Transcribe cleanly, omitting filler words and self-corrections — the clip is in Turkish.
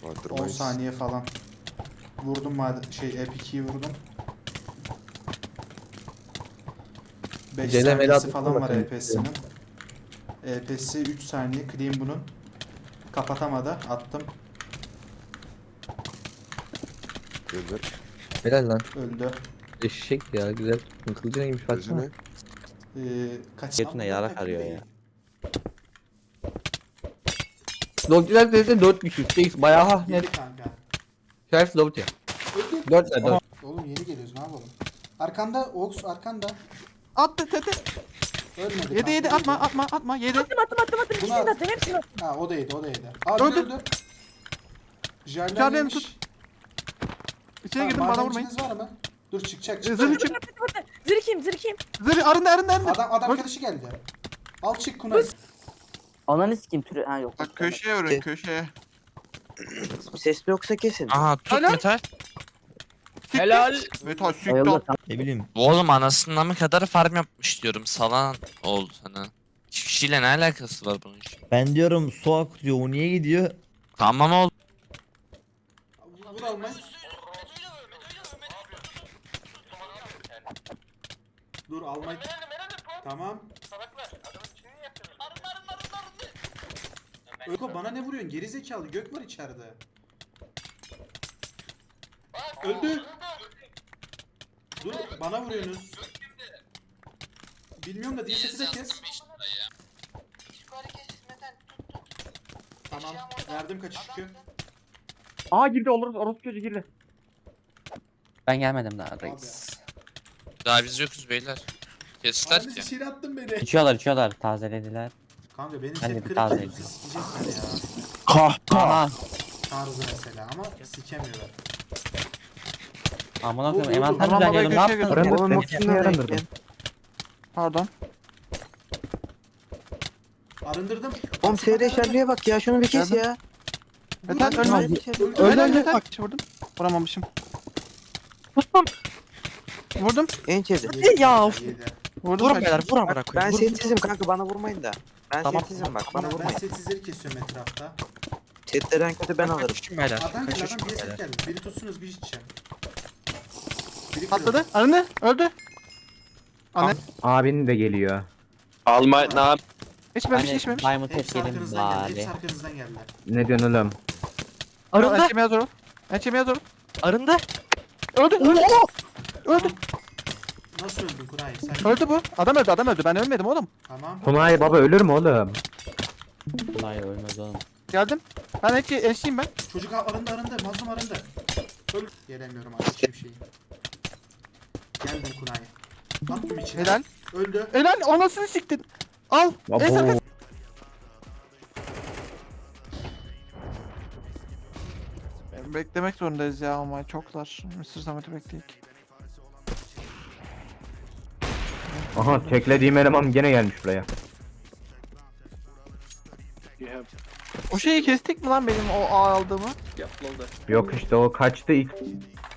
10 saniye falan. Vurdum Epic2'yi vurdum. 5 saniyesi falan var EP'sinin. EP'si 3 saniye. Clean bunun. Kapatamadı. Attım. Öldür. Helal lan. Öldü. Eşek ya güzel. Kılıcı neymiş baksana. Gözüne. Kaç Götüne yarak arıyor ya. Dogcular dedi 4 kişi. 8 bayağı ha net. Yedi kanka. Şerif Dogcu. Öldü. 4 ver 4. Oğlum yeni geliyoruz, ne yapalım? Arkanda Ox, arkanda. Attı tete. Ölmedi. Yedi yedi kanka, atma yedi. Attım. İkisini de attım. Hepsini attım. Ha o da yedi. Aa Öldü. öldü. Jarlen Jarlen yemiş. tut. İçeri girdim bana vurmayın. Madenciniz var mı? Dur çıkacak. Zırh için. Zirkim. Zırh arındı. Adam Öl- arkadaşı geldi. Al çık Kunay. Ananı sikeyim türü. Ha yok. Bak köşeye vurun köşeye. Sesli yoksa kesin. Aha tut Helal. metal. Helal. Metal süktü. Ayıldı. Ne bileyim. Oğlum anasından mı kadar farm yapmış diyorum. Salan oldu sana. Hiçbir şeyle ne alakası var bunun? Ben diyorum su akıyor, o niye gidiyor? Tamam oğlum. Vur almayı. Dur almayı. Tamam. Öko bana ne vuruyorsun? Geri zekalı gök var içeride. Öldü. Dur bana vuruyorsunuz. Bilmiyorum da diye sesi de kes. Tamam. Verdim kaçış yükü. Aa girdi orospu çocuğu girdi. Ben gelmedim daha reis. Daha biz yokuz beyler. Kestiler Abi ki. içeri attın beni. İçiyorlar tazelediler. Kanka benim Ben de set bir kırık taze oldu, edeyim. sikecekler ya. Aha. Tarzı mesela ama sikemiyorlar. Amına Bu- koyayım envanter Tamam, düzenliyorum ne babayı yaptın? köşeye Oğlum ikisini yarandırdım. Pardon. Arındırdım. Oğlum seyre şerliğe bak ya şunu bir kes Geldim. ya. Metal Öldü. ölme. Öldü. Öldü. Bak vurdum. Vuramamışım. Tuttum. Vurdum. En çevre. Yedi, Ya. yedi. Vurdum. Vurun beyler vur amına Ben koyayım. Vur. setsizim kanka bana vurmayın da. Ben setsizim bak bana Ben vurmayın. setsizleri kesiyorum etrafta. Setlerden kötü ben alırım. Kaçışın beyler. Adam geldi, Kaçışın adam bir set beyler. geldi. Biri tutsunuz bir içeceğim. Biri Patladı. Arındı. Öldü. Anne. Abin de geliyor. Alma ne yap? İçmemiş Hani içmemiş. Diamond Hepsi tep yedim arkanızdan geldi. Hepsi bari. arkanızdan geldiler. Ne diyorsun oğlum? Arındı. Ençemeye zor ol. Ençemeye zor ol. Arındı. Öldü. Öldü. Nasıl öldün Kuray? Sen Öldü bu. Adam öldü. Ben ölmedim oğlum. Tamam. Kunay baba ölür mü oğlum? Hayır ölmez oğlum. Geldim. Ben ençliyim ben. Çocuk arındı. Mazlum arındı. Öl. Gelemiyorum artık hiçbir şeyi. Geldim Kunay. Attım içine. Helal. Öldü. Helal. Anasını siktin. Al. Abo. Esra. Beklemek zorundayız ya ama çoklar. Mısır Samet'i bekleyik. Aha teklediğim eleman gene gelmiş buraya. O şeyi kestik mi lan benim o A aldığımı? Yok işte o kaçtı ilk